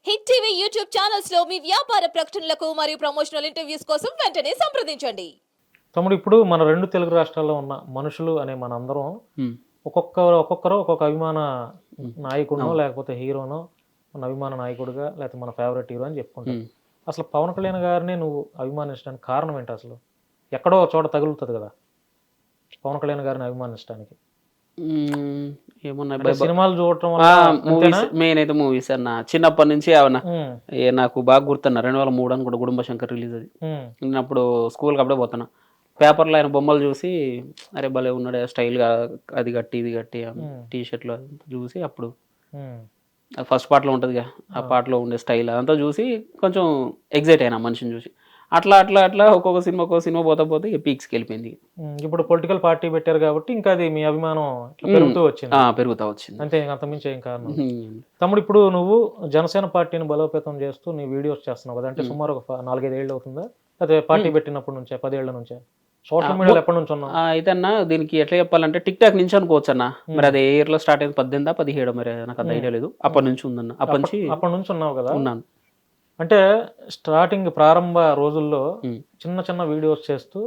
Hit TV YouTube channels లో మీ వ్యాపార ప్రకటనలకు మరియు ప్రమోషనల్ ఇంటర్వ్యూస్ కోసం వెంటనే సంప్రదించండి. తమ్ముడు ఇప్పుడు మన రెండు తెలుగు రాష్ట్రాల్లో ఉన్న మనుషులు అనే మనందరం ఒక్కొక్కరు ఒక్కొక్క అభిమాన నాయకుడినో లేకపోతే హీరోనో మన అభిమాన నాయకుడిగా లేకపోతే మన ఫేవరెట్ హీరో అని చెప్పుకుంటాం. అసలు పవన్ కళ్యాణ్ గారిని నువ్వు అభిమానించడానికి కారణం ఏంటి? అసలు ఎక్కడో ఒక చోట తగులుతుంది కదా పవన్ కళ్యాణ్ గారిని అభిమానించడానికి. ఏమన్నా సినిమాలు చూడటం మూవీస్ మెయిన్ అయితే మూవీస్ అన్న చిన్నప్పటి నుంచి అవునా నాకు బాగా గుర్తున్నా 2003 అని కూడా గుడుంబ శంకర్ రిలీజ్ అది. నేను అప్పుడు స్కూల్కి అప్పుడే పోతున్నా, పేపర్లో ఆయన బొమ్మలు చూసి అరే భలే ఉన్నాడు స్టైల్గా, అది కట్టి ఇది కట్టి టీ షర్ట్లు చూసి అప్పుడు ఫస్ట్ పార్ట్లో ఉంటుందిగా ఆ పాటలో ఉండే స్టైల్ అదంతా చూసి కొంచెం ఎగ్జైట్ అయినా మనిషిని చూసి. అట్లా అట్లా అట్లా ఒక్కొక్క సినిమా పోతా పోతే పీక్స్కి వెళ్ళిపోయింది. ఇప్పుడు పొలిటికల్ పార్టీ పెట్టారు కాబట్టి ఇంకా అది మీ అభిమానం పెరుగుతా వచ్చింది అంతే, అంతమించి ఏం కారణం. తమ్ముడు ఇప్పుడు నువ్వు జనసేన పార్టీని బలోపేతం చేస్తూ నీ వీడియోస్ చేస్తున్నావు కదా, అంటే సుమారు ఒక 4-5 ఏళ్ళు అవుతుందా? అదే పార్టీ పెట్టినప్పటి నుంచే 10 ఏళ్ల నుంచే సోషల్ మీడియాలో ఎప్పటి నుంచి ఉన్నావు? అయితే అన్న దీనికి ఎట్లా చెప్పాలంటే టిక్ టాక్ నుంచి అనుకోవచ్చు అన్న. మరి అది ఏ ఇయర్ లో స్టార్ట్ అయింది, 18-17 మరి నాకు అంత ఐడియా లేదు. అప్పటి నుంచి ఉందన్న, అప్పటి నుంచి ఉన్నావు కదా. ఉన్నాను. అంటే స్టార్టింగ్ ప్రారంభ రోజుల్లో చిన్న చిన్న వీడియోస్ చేస్తూ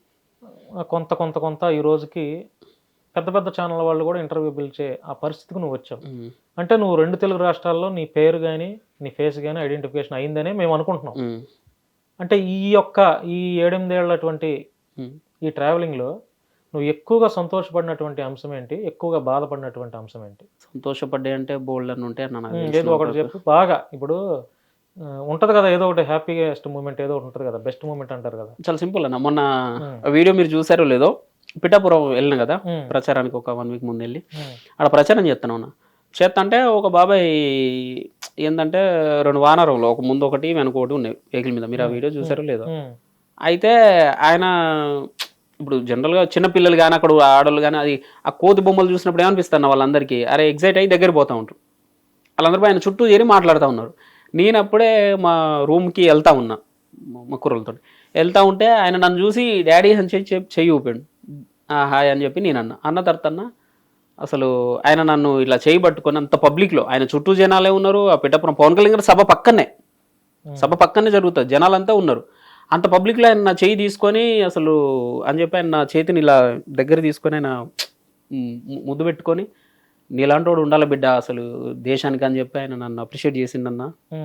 కొంత కొంత కొంత ఈ రోజుకి పెద్ద పెద్ద ఛానల్ వాళ్ళు కూడా ఇంటర్వ్యూ పిలిచే ఆ పరిస్థితికి నువ్వు వచ్చావు. అంటే నువ్వు రెండు తెలుగు రాష్ట్రాల్లో నీ పేరు కానీ నీ ఫేస్ కానీ ఐడెంటిఫికేషన్ అయిందనే మేము అనుకుంటున్నాం. అంటే ఈ 7-8 ఏళ్ళటువంటి ఈ ట్రావెలింగ్లో నువ్వు ఎక్కువగా సంతోషపడినటువంటి అంశం ఏంటి, ఎక్కువగా బాధపడినటువంటి అంశం ఏంటి? సంతోషపడ్డా అంటే బోల్డ్ అని ఉంటే ఏదో ఒకటి చెప్పు. బాగా ఇప్పుడు ఉంటది కదా ఏదో ఒకటి హ్యాపీయెస్ట్ మూమెంట్ ఏదో ఒకటి ఉంటుంది కదా, బెస్ట్ మూమెంట్ అంటారు కదా. చాలా సింపుల్ అన్న, మొన్న వీడియో మీరు చూసారో లేదో పిఠాపురం వెళ్ళిన కదా ప్రచారానికి, ఒక 1 వీక్ ముందు వెళ్ళి అక్కడ ప్రచారం చేస్తాను అన్న. చేస్తా ఒక బాబాయ్ ఏంటంటే 2 వానరంలో ఒక ముందు ఒకటి వెనక ఒకటి ఉన్నాయి వెహికల్ మీద, మీరు ఆ వీడియో చూసారో లేదో. అయితే ఆయన ఇప్పుడు జనరల్గా చిన్నపిల్లలు కానీ అక్కడ ఆడవాళ్ళు కానీ అది ఆ కోతి బొమ్మలు చూసినప్పుడు ఏమనిపిస్తున్నా వాళ్ళందరికీ అరే ఎగ్జైట్ అయ్యి దగ్గర పోతూ ఉంటారు. వాళ్ళందరూ ఆయన చుట్టూ చేరి మాట్లాడుతూ ఉన్నారు. నేను అప్పుడే మా రూమ్కి వెళ్తా ఉన్నా మా కుర్రలతో వెళ్తా ఉంటే ఆయన నన్ను చూసి డాడీ అని చెయ్యి ఊపాడు. హాయ్ అని చెప్పి నేను అన్న తర్వాత అసలు ఆయన నన్ను ఇట్లా చేయి పట్టుకొని అంత పబ్లిక్లో ఆయన చుట్టూ జనాలే ఉన్నారు. ఆ పిఠాపురం పవన్ కళ్యాణ్ గారి సభ పక్కనే జరుగుతుంది, జనాలంతా ఉన్నారు. అంత పబ్లిక్లో ఆయన నా చేయి తీసుకొని అసలు అని చెప్పి ఆయన నా చేతిని ఇలా దగ్గర తీసుకొని ఆయన ముద్దు పెట్టుకొని నీలాంటోడు ఉండాలి బిడ్డ అసలు దేశానికి అని చెప్పి ఆయన నన్ను అప్రిషియేట్ చేసిండన్న.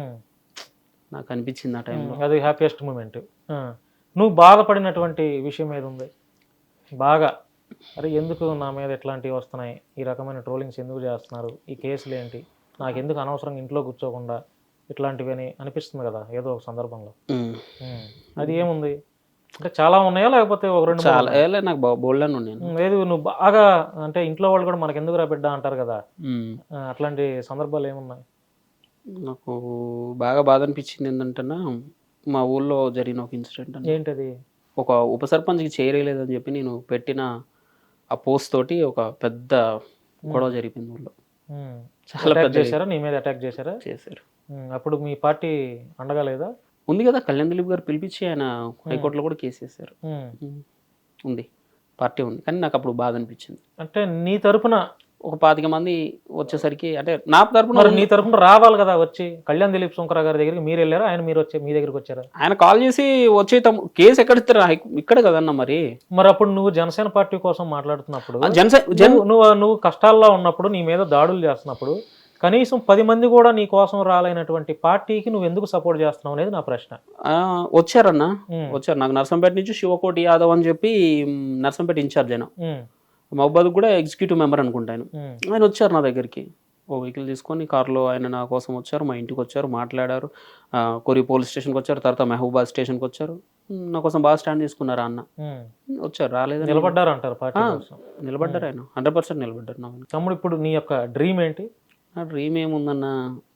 నాకు అనిపించింది ఆ టైంలో అది హ్యాపీయెస్ట్ మూమెంట్. నువ్వు బాధపడినటువంటి విషయం ఏది ఉంది బాగా? అరే ఎందుకు నా మీద ఇట్లాంటివి వస్తున్నాయి, ఈ రకమైన ట్రోలింగ్స్ ఎందుకు చేస్తున్నారు, ఈ కేసులు ఏంటి, నాకు ఎందుకు అనవసరంగా ఇంట్లో కూర్చోకుండా ఇట్లాంటివి అని అనిపిస్తుంది కదా ఏదో ఒక సందర్భంలో. అది ఏముంది అంటే చాలా ఉన్నాయా లేకపోతే ఒక 2? చాలా నాకు బోల్డ్ అని ఉన్నాయి. ఏది నువ్వు బాగా అంటే ఇంట్లో వాళ్ళు కూడా మనకు ఎందుకు రా బిడ్డ అంటారు కదా, అట్లాంటి సందర్భాలు ఏమున్నాయి? నాకు బాగా బాధ అనిపించింది ఏంటంటే మా ఊళ్ళో జరిగిన ఒక ఇన్సిడెంట్. ఏంటది? ఒక ఉప సర్పంచ్కి చేరలేదని చెప్పి నేను పెట్టిన ఆ పోస్ట్ తోటి ఒక పెద్ద గొడవ జరిగింది ఊళ్ళో. చాలా పెద్ద చేశారా, నీ మీద అటాక్ చేశారు? అప్పుడు మీ పార్టీ అండగా లేదా? ఉంది కదా, కళ్యాణ్ దిలీప్ గారు పిలిపించి ఆయన హైకోర్టులో కూడా కేసు వేశారు. ఉంది, పార్టీ ఉంది. కానీ నాకు అప్పుడు బాధ అనిపించింది. అంటే నీ తరపున ఒక 25 మంది వచ్చేసరికి అంటే నా తరపున నీ తరపున రావాలి కదా వచ్చి. కళ్యాణ్ దిలీప్ సుంకరా గారి దగ్గరికి మీరు వెళ్ళారా, ఆయన మీరు వచ్చి మీ దగ్గరికి వచ్చారా? ఆయన కాల్ చేసి వచ్చే కేసు ఎక్కడ ఇస్తారు, ఇక్కడ కదన్నా. మరి అప్పుడు నువ్వు జనసేన పార్టీ కోసం మాట్లాడుతున్నప్పుడు, నువ్వు కష్టాల్లో ఉన్నప్పుడు, నీ మీద దాడులు చేస్తున్నప్పుడు కనీసం 10 మంది కూడా నీ కోసం రాలైనటువంటి పార్టీకి నువ్వు ఎందుకు సపోర్ట్ చేస్తున్నావు అనేది నా ప్రశ్న. వచ్చారన్నా, వచ్చారు. నాకు నర్సంపేట నుంచి శివకోటి యాదవ్ అని చెప్పి నర్సంపేట ఇన్ఛార్జ్ అయినా, మహబాద్ కూడా ఎగ్జిక్యూటివ్ మెంబర్ అనుకుంటాను. ఆయన వచ్చారు నా దగ్గరికి, ఓ వెహికల్ తీసుకొని కార్లో ఆయన నా కోసం వచ్చారు, మా ఇంటికి వచ్చారు, మాట్లాడారు. కొరి పోలీస్ స్టేషన్కి వచ్చారు, తర్వాత మహబూబాద్ స్టేషన్కి వచ్చారు. నా కోసం బాగా స్టాండ్ తీసుకున్నారు అన్న. వచ్చారు, రాలేదు, నిలబడ్డారు అంటారు పార్టీ కోసం. నిలబడ్డారు ఆయన, 100% నిలబడ్డారు. తమ్ముడు ఇప్పుడు నీ యొక్క డ్రీమ్ ఏంటి? నా డ్రీమ్ ఏముందన్న,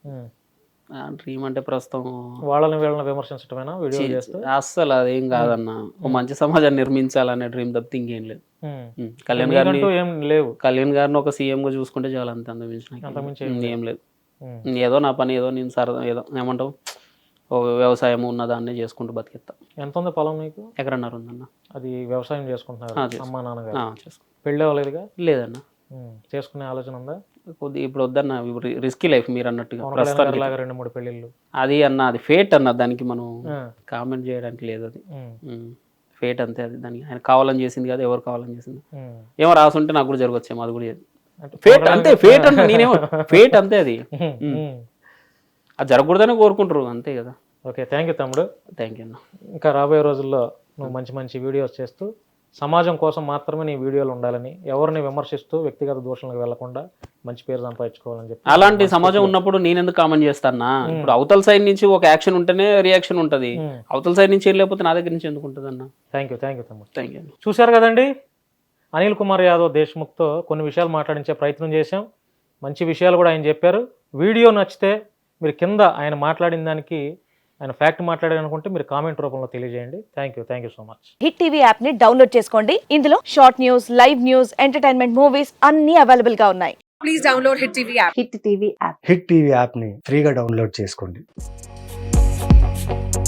డ్రీమ్ అంటే ప్రస్తుతం వాళ్ళని విమర్శించడమేనా వీడియో చేస్తే? అస్సలు అదేం కాదన్న, ఒక మంచి సమాజాన్ని నిర్మించాలనే డ్రీమ్ తప్పితే ఇంకేం లేదు. కళ్యాణ్ గారిని ఏం లేవు, కళ్యాణ్ గారిని ఒక సీఎం గా చూసుకుంటే చాలా, అంత అంతమించి ఏం లేదు. ఏదో నా పని ఏదో నేను సరదా ఏదో ఏమంటావు వ్యవసాయం ఉన్న దాన్ని చేసుకుంటూ బతికేస్తా. ఎంత ఉంది పొలం నీకు? 1.5 ఉందన్న. అది వ్యవసాయం చేసుకుంటున్నారు అమ్మా నాన్నగారు? చేసుకో. పెళ్ళి అవ్వలేదుగా? లేదన్న. చేసుకునే ఆలోచన ఉందా? కొద్ది ఇప్పుడు వద్దన్న, రిస్కీ లైఫ్ మీరు అన్నట్టుగా పవన్ కళ్యాణ్ ప్రస్తుతానికి. లాగా 2-3 పెళ్ళిళ్ళు. అది అన్న, అది ఫేట్ అన్న, దానికి మనం ఆ, కామెంట్ చేయడానికి లేదు. అది ఉమ్, ఫేట్ అంతే. అది దానికి ఆయన కావాలని చేసింది కాదు, ఎవరు కావాలని చేసింది. ఉమ్. ఏమో రాసుంటే నాకు కూడా జరగచ్చేమో, అది కూడా చేయదు. అంటే ఫేట్ పవన్ అంతే, కళ్యాణ్ ఫేట్ అంటే నేనేమో ఫేట్ అంతే. అది ఉమ్. అది జరగకూడదని కోరుకుంటారు అంతే కదా. ఓకే, థ్యాంక్ యూ తమ్ముడు. థ్యాంక్ యూ అన్న. ఇంకా రాబోయే రోజుల్లో నువ్వు మంచి మంచి వీడియోస్ చేస్తూ సమాజం కోసం మాత్రమే నీ వీడియోలు ఉండాలని, ఎవరిని విమర్శిస్తూ వ్యక్తిగత దూషణలకు వెళ్లకుండా మంచి పేరు సంపాదించుకోవాలని చెప్పి. అలాంటి సమాజం ఉన్నప్పుడు నేను ఎందుకు కామెంట్ చేస్తానా? ఇప్పుడు అవతల సైడ్ నుంచి ఒక యాక్షన్ ఉంటేనే రియాక్షన్ ఉంటది, అవతల సైడ్ నుంచి ఏం లేకపోతే నా దగ్గర నుంచి ఎందుకు ఉంటుంది అన్న? థ్యాంక్ యూ తమ్ముడు. Thank you. చూశారు కదండి, అనిల్ కుమార్ యాదవ్ దేశ్ముఖ్తో కొన్ని విషయాలు మాట్లాడించే ప్రయత్నం చేశాం. మంచి విషయాలు కూడా ఆయన చెప్పారు. వీడియో నచ్చితే మీరు కింద ఆయన మాట్లాడిన దానికి, ఆయన ఫ్యాక్ట్ మాట్లాడారనుకుంటే మీరు కామెంట్ రూపంలో తెలియజేయండి. Thank you so much. Hit TV app ని డౌన్లోడ్ చేసుకోండి. ఇందులో short news, live news, entertainment movies అన్ని అవైలబుల్ గా ఉన్నాయి. Please download Hit TV app. Hit TV app Hit TV యాప్ని ఫ్రీగా డౌన్లోడ్ చేసుకోండి.